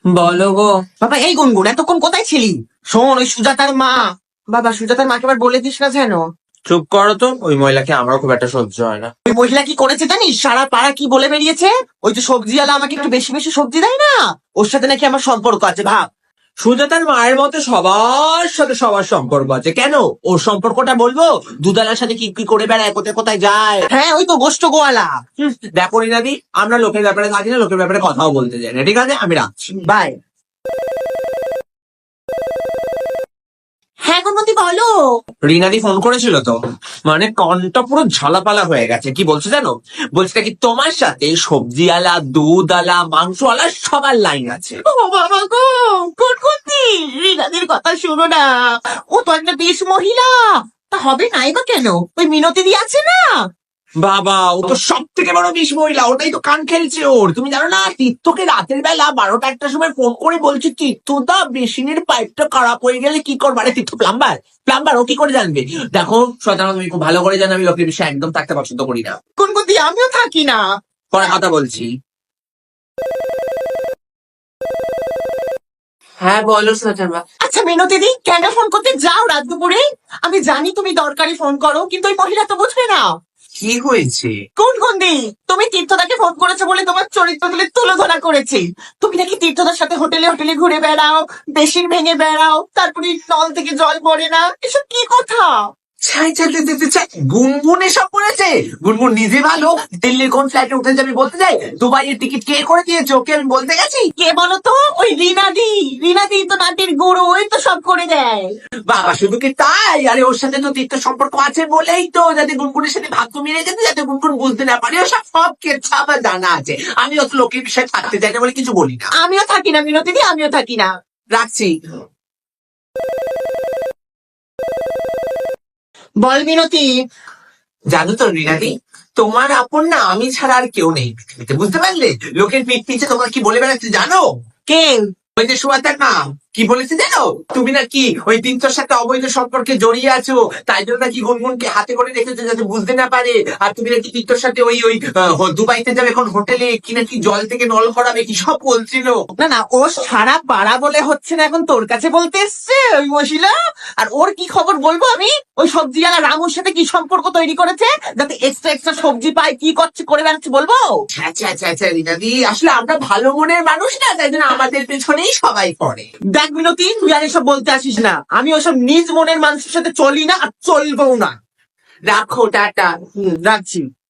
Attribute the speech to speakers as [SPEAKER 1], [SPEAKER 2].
[SPEAKER 1] বলো গো।
[SPEAKER 2] বাবা এই গুনগুন এতক্ষণ কোথায় ছিলি? শোন, ওই সুজাতার মা, বাবা সুজাতার মাকে আবার বলে দিস না যেন।
[SPEAKER 1] চুপ করো তো, ওই মহিলাকে আমার খুব একটা সহ্য হয় না।
[SPEAKER 2] ওই মহিলা কি করেছে জানিস? সারা পাড়া কি বলে বেরিয়েছে, ওই যে সবজিওয়ালা আমাকে একটু বেশি বেশি সবজি দেয় না, ওর সাথে নাকি আমার সম্পর্ক আছে। ভাব।
[SPEAKER 1] সুজাতার মায়ের মতো সবার সাথে সবার সম্পর্ক আছে, কেন ওর সম্পর্কটা বলবো? দুধালার সাথে কি কি করে বেড়ায়, কোথায় কোথায় যায়।
[SPEAKER 2] হ্যাঁ, ওই তো গোষ্ঠ গোয়ালা।
[SPEAKER 1] দেখো রিনাদি, আমরা লোকের ব্যাপারে থাকি না, লোকের ব্যাপারে কথাও বলতে চাই না, ঠিক আছে? আমি রাখছি।
[SPEAKER 2] বাই। হ্যাঁ গুনমতি বলো।
[SPEAKER 1] রিনাদি ফোন করেছিল তো, মানে কনটা পুরো ঝালাপালা হয়ে গেছে। কি বলছে জানো? বলছে কি তোমার সাথে সবজিওয়ালা, দুধওয়ালা, মাংসওয়ালা সবার লাইন আছে।
[SPEAKER 2] ও বাবা গো, গুনগুনতি রিনাদির কথা শোনো না, ও তো একটা বেশ মহিলা। তা হবে নাই বা কেন? ওই মিনতি দি আছে না।
[SPEAKER 1] বাবা, ও তো সব থেকে বড় বিষ মহিলা, ওটাই তো কান খেলছে ওর। তুমি জানো না, তীর্থকে রাতের বেলা 12টা 1টার সময় ফোন করে বলছে, তীর্থদা বেসিনের পাইপটা খারাপ হয়ে গেলে কি করবো? আরে তীর্থ প্লাম্বার, প্লাম্বার, ও কি করে জানবে? দেখো শয়তান, তুমি খুব ভালো করে জানো আমি লোকের বিষয়ে একদম থাকতে পছন্দ করি না।
[SPEAKER 2] গুনগুনতি আমিও থাকি না।
[SPEAKER 1] পরে কথা বলছি। হ্যাঁ বলো সুজাতা।
[SPEAKER 2] আচ্ছা মিনতি দি, কেন ফোন করতে যাও রাত দুপুরে? আমি জানি তুমি দরকারি ফোন করো, কিন্তু ওই মহিলা তো বুঝবে না।
[SPEAKER 1] কি হয়েছে?
[SPEAKER 2] গুনগুনদি, তুমি তীর্থদাকে ফোন করেছো বলে তোমার চরিত্র তুলে ধরা করেছি। তুমি নাকি তীর্থদার সাথে হোটেলে হোটেলে ঘুরে বেড়াও, বেশির ভেঙে বেড়াও, তারপরে নল থেকে জল পড়ে না, এসব কি কথা?
[SPEAKER 1] ছাই ছাই ছাই ছাই ছাই, গুনগুন এসব করেছে? গুনগুন নিজে ভালো, দিল্লির কোন ফ্লাইটে উঠে যাবি বলতে যাই? দুবাইয়ের টিকিট কে করে দিয়েছে ওকে আমি বলতে গেছি?
[SPEAKER 2] কে বলো তো? ওই রিনাদি। রিনাদি তো নাটির গুরু, ওই তো সব করে দেয়।
[SPEAKER 1] বাবা শুধু কি তাই? আরে ওর সাথে তো তীর্থ সম্পর্ক আছে বলেই তো, যাতে গুনগুনের সাথে ভাগ্য মিলে যেতে, যাতে গুনগুন বুঝতে না পারে। ওসব সব কেচ্ছা আমার জানা আছে। আমি অত লোকের বিষয়ে থাকতে চাই না বলে কিছু বলি না।
[SPEAKER 2] আমিও থাকি না মিনতি দি, আমিও থাকি না।
[SPEAKER 1] রাখছি।
[SPEAKER 2] বল মিনতি।
[SPEAKER 1] জানো তো রিনাদি, তোমার আপন না আমি ছাড়া আর কেউ নেই পৃথিবীতে, বুঝতে পারলে? লোকের পিঠ পিছে তোমরা কি বলে বেড়াচ্ছে জানো?
[SPEAKER 2] কে?
[SPEAKER 1] ওই যে সুয়াতার মা কি বলেছে জানো? তুমি নাকি ওই তিনটোর সাথে অবৈধ সম্পর্কে জড়িয়ে আছো, তাই জন্য নাকি গুনগুনকে হাতে করে রেখেছো যাতে বুঝতে না পারে। আর তুমি নাকি তিনটোর সাথে ওই ওই দুবাইতে যাবে এখন হোটেলে, কি নাকি জল থেকে নল করাবে, কি সব বলছিল।
[SPEAKER 2] না না, ও সারা পাড়া বলে হচ্ছে না, এখন তোর কাছে বলতে এসছে ওই মহিলা। আর ওর কি খবর বলবো আমি? ওই সবজিওয়ালা রামুর সাথে কি সম্পর্ক তৈরি করেছে, যাতে এক্সট্রা এক্সট্রা সবজি পায়, কি করছে করে বেড়াচ্ছে বলবো?
[SPEAKER 1] আচ্ছা আচ্ছা আচ্ছা রিনাদি, আসলে আমরা ভালো মনের মানুষ না, তাই জন্য আমাদের পেছনেই সবাই পড়ে।
[SPEAKER 2] দেখ মিনতি, তুই আর এসব বলতে আসিস না। আমি ওসব নিজ মনের মানুষের সাথে চলি না, আর চলবো না।
[SPEAKER 1] রাখো, টাটা।
[SPEAKER 2] রাখছি।